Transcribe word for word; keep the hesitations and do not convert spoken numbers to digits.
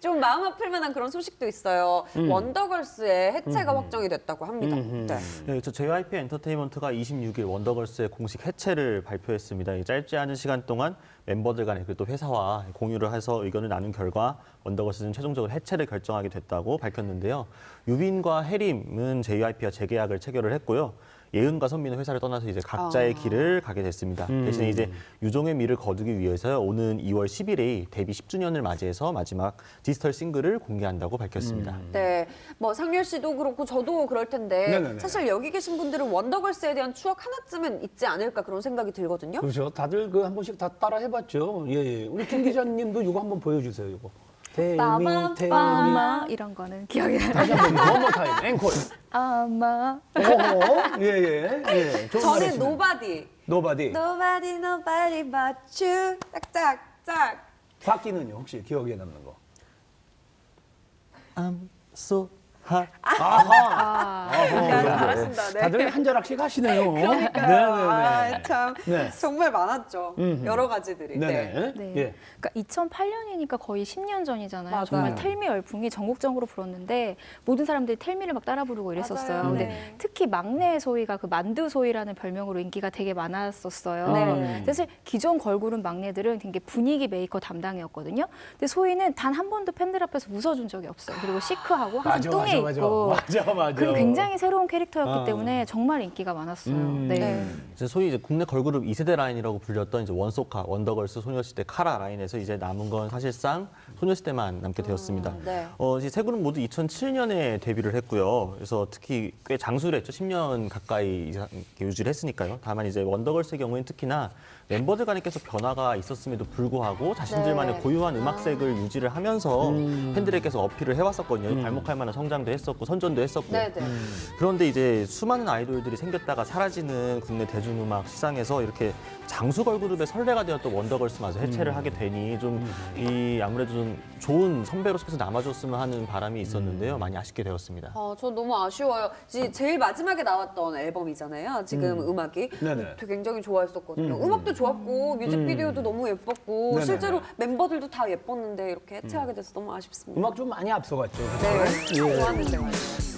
좀 마음 아플 만한 그런 소식도 있어요. 음. 원더걸스의 해체가 음. 확정이 됐다고 합니다. 음. 네. 네, 저 제이와이피 엔터테인먼트가 이십육 일 원더걸스의 공식 해체를 발표했습니다. 이 짧지 않은 시간 동안 멤버들 간에 그리고 또 회사와 공유를 해서 의견을 나눈 결과 원더걸스는 최종적으로 해체를 결정하게 됐다고 밝혔는데요. 유빈과 혜림은 제이와이피와 재계약을 체결을 했고요. 예은과 선미는 회사를 떠나서 이제 각자의 아. 길을 가게 됐습니다. 음. 대신에 이제 유종의 미를 거두기 위해서요. 오는 이월 십일에 데뷔 십 주년을 맞이해서 마지막 디지털 싱글을 공개한다고 밝혔습니다. 음. 네, 뭐 상렬 씨도 그렇고 저도 그럴 텐데 네네네. 사실 여기 계신 분들은 원더걸스에 대한 추억 하나쯤은 있지 않을까 그런 생각이 들거든요. 그렇죠. 다들 그 한 번씩 다 따라 해봤죠. 예, 예. 우리 김 기자님도 이거 한번 보여주세요. 이거. 태미, 태미. 아마 이런 거는 기억이 나요. 다시 한번 one more time. 앵콜. 아마 어허. 예, 예. 예. 좋은 말 저는 했습니다. 노바디. 노바디. Nobody, nobody but you. 짝짝짝. 박기는요, 혹시 기억에 남는 거? I'm so hot. 아하. 야, 잘하신다. 네. 다들 한 자락씩 하시네요. 그러니까요. 네네네. 아, 참 네. 정말 많았죠. 음흠. 여러 가지들이. 네네. 네. 예. 그러니까 이천팔 년이니까 거의 십 년 전이잖아요. 맞아요. 정말 텔미 열풍이 전국적으로 불었는데 모든 사람들이 텔미를 막 따라 부르고 이랬었어요. 맞아요. 근데 네. 특히 막내 소희가 그 만두 소희라는 별명으로 인기가 되게 많았었어요. 네. 사실 기존 걸그룹 막내들은 굉장히 분위기 메이커 담당이었거든요. 근데 소희는 단 한 번도 팬들 앞에서 웃어준 적이 없어요. 그리고 시크하고 항상 맞아, 뚱에 맞아, 있고. 맞아, 맞아. 그리고 굉장히 새로운 캐릭터였기 아. 때문에 정말 인기가 많았어요. 음. 네. 네. 이제 소위 이제 국내 걸그룹 이 세대 라인이라고 불렸던 이제 원소카, 원더걸스, 소녀시대, 카라 라인에서 이제 남은 건 사실상 소녀시대만 남게 되었습니다. 음, 네. 어, 이제 세 그룹 모두 이천칠 년에 데뷔를 했고요. 그래서 특히 꽤 장수를 했죠. 십 년 가까이 이상 이렇게 유지를 했으니까요. 다만 이제 원더걸스의 경우에는 특히나 멤버들 간에 계속 변화가 있었음에도 불구하고 자신들만의 네. 고유한 음악색을 유지를 하면서 음. 팬들에게 계속 어필을 해왔었거든요. 음. 발목할 만한 성장도 했었고 선전도 했었고. 네, 네. 그런데 이제 수많은 아이돌들이 생겼다가 사라지는 국내 대중음악 시장에서 이렇게 장수 걸그룹의 선례가 되었던 원더걸스마저 해체를 음. 하게 되니 좀 이 아무래도 좀 좋은 선배로서 계속 남아줬으면 하는 바람이 음. 있었는데요. 많이 아쉽게 되었습니다. 어, 저 너무 아쉬워요. 지- 제일 마지막에 나왔던 앨범이잖아요. 지금 음. 악이 네네. 되게 굉장히 좋아했었거든요. 음. 음. 악도 좋았고 뮤직비디오도 너무 예뻤고 네네네. 실제로 멤버들도 다 예뻤는데 이렇게 해체하게 돼서 너무 아쉽습니다. 음악 좀 많이 앞서갔죠. 네, 그죠? 예. 좋았는데 말이에요.